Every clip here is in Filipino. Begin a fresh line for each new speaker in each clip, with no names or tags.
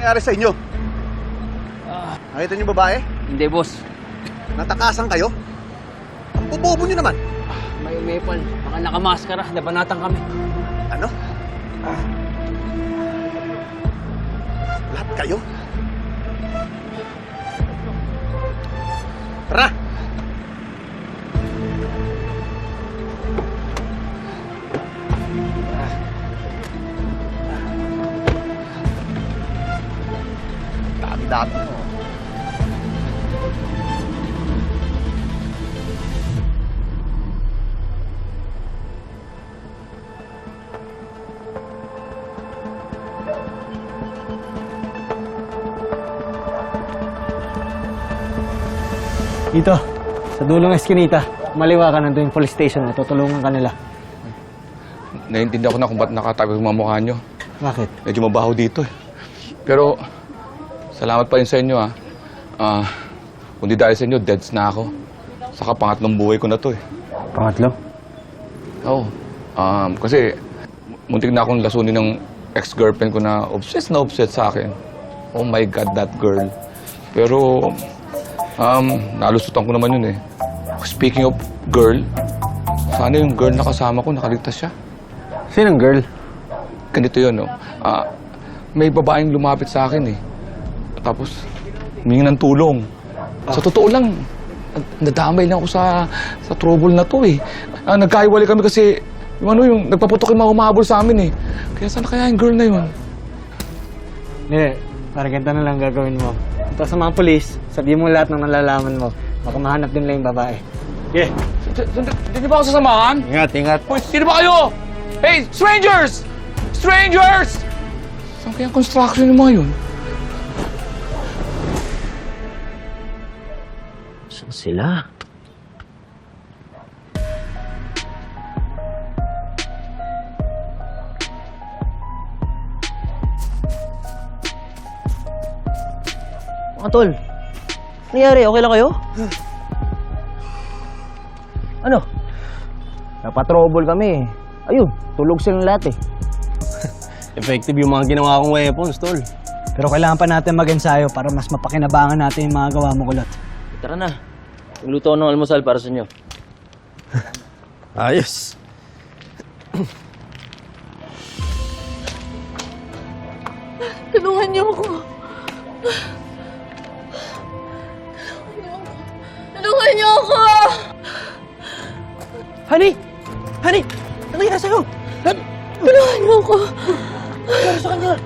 nangyari sa inyo? Nakita niyo babae?
Hindi, boss.
Natakasan kayo? Ang bobobo niyo naman.
May umepal. Baka nakamaskara. Nabanatan kami.
Ano? Lahat kayo? Tara! Dami-dami mo.
Dito, sa dulong eskinita, maliwa ka nandun yung police station na tutulungan ka nila.
Naiintindihan ko na kung ba't nakatabi yung mga mukha nyo.
Bakit?
Medyo mabaho dito eh. Pero, salamat pa rin sa inyo kung di dahil sa inyo, deads na ako. Saka pangatlong buhay ko na to eh.
Pangatlo?
Oo. Kasi, muntik na akong lasunin ng ex-girlfriend ko na obsessed sa akin. Oh my God, that girl. Pero, nalusutan ko naman yun eh. Speaking of girl, sana yung girl na kasama ko, nakaligtas siya.
Sinong girl?
Ganito yun, no? May babaeng lumapit sa akin eh. Tapos, humingi ng tulong. Sa totoo lang, nadamay lang ako sa trouble na to eh. Nagkahiwalay kami kasi, yung nagpaputok yung mga humahabol sa amin eh. Kaya sana kaya yung girl na yun?
Hindi, parang ganito na lang gagawin mo. Ito sa mga polis, sabihin mo lahat ng nalalaman mo. Baka mahanap din lang yung babae.
Yeah. Hindi ba ako sasamahan?
Ingat, ingat.
Uy, sino ba kayo? Hey, strangers! Strangers! Saan kaya ang construction yung mga yun?
Saan sila? Mga tol, nangyari? Okay lang kayo? Ano? Napatrouble kami. Ayun, tulog silang lahat eh.
Effective yung mga ginawa kong weapons, tol.
Pero kailangan pa natin mag-ensayo para mas mapakinabangan natin yung mga gawa mo, kulot.
Tara na. Nagluto ako ng almusal para sa inyo.
Ayos.
Tulungan niyo ako. Tulungan niyo ako!
Honey! Honey! Ano nangyari sa'yo?
Tulungan niyo ako.
Ano sa kanya?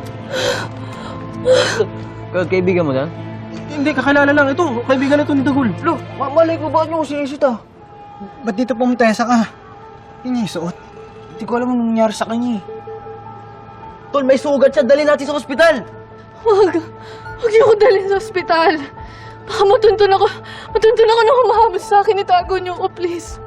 Kaibigan mo yan?
Hindi, kakilala lang. Ito, kaibigan na ito ni Dagul.
Lo, malay ko bakit niyo ko sinisita?
Ba't dito pumutesa ka? Yun yung suot.
Hindi ko alam anong nangyari sa kanya eh. Tol, may sugat siya. Dali natin sa ospital.
Huwag niyo ako dalhin sa ospital. Baka matuntun ako nang humahabol sa akin. Itago niyo ako, please.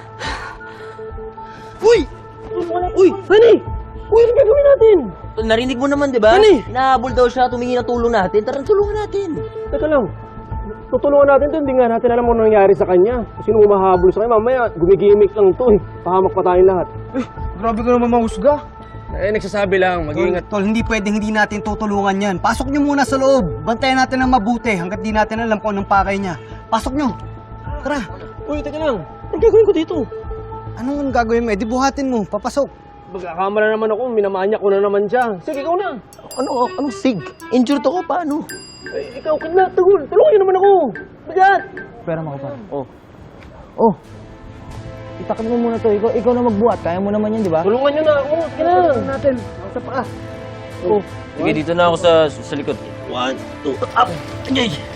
Uy! Uy! Honey! Uy, ano gagawin natin? Tol, narinig mo naman, di ba?
Honey!
Nahabol daw siya, tumingi ng tulong natin. Tara, tulungan natin.
Teka lang. Tutulungan natin ito. Hindi nga natin alam kung ano nangyari sa kanya. Kung sino umahabol sa kanya. Mamaya, gumigimik lang ito eh. Pahamak pa tayong lahat.
Grabe ka naman mahusga.
Eh, nagsasabi lang. Mag-iingat.
Tol, hindi pwedeng hindi natin tutulungan yan. Pasok nyo muna sa loob. Bantayan natin ng mabuti hanggat di natin alam kung anong pakay niya. Pasok nyo. Tara.
Uy, teka lang. Anong gagawin ko dito?
Anong gagawin mo? Eh, di buhatin mo. Papasok.
Magkakamala naman ako. Minamanyak ko na naman siya. Sige, ikaw na.
Anong sig? Injured ako, paano?
Eh, ikaw, kidnap, Dagul. Tulungan niyo naman ako. Bigat!
Pera mo ko pa.
Oh. Itakot mo muna to. Ikaw na magbuhat. Kaya mo naman yan, di ba?
Tulungan niyo na ako. Sige na.
Natin. Sa paa.
Sige, dito na ako sa likod. 1, 2, up! Ajay!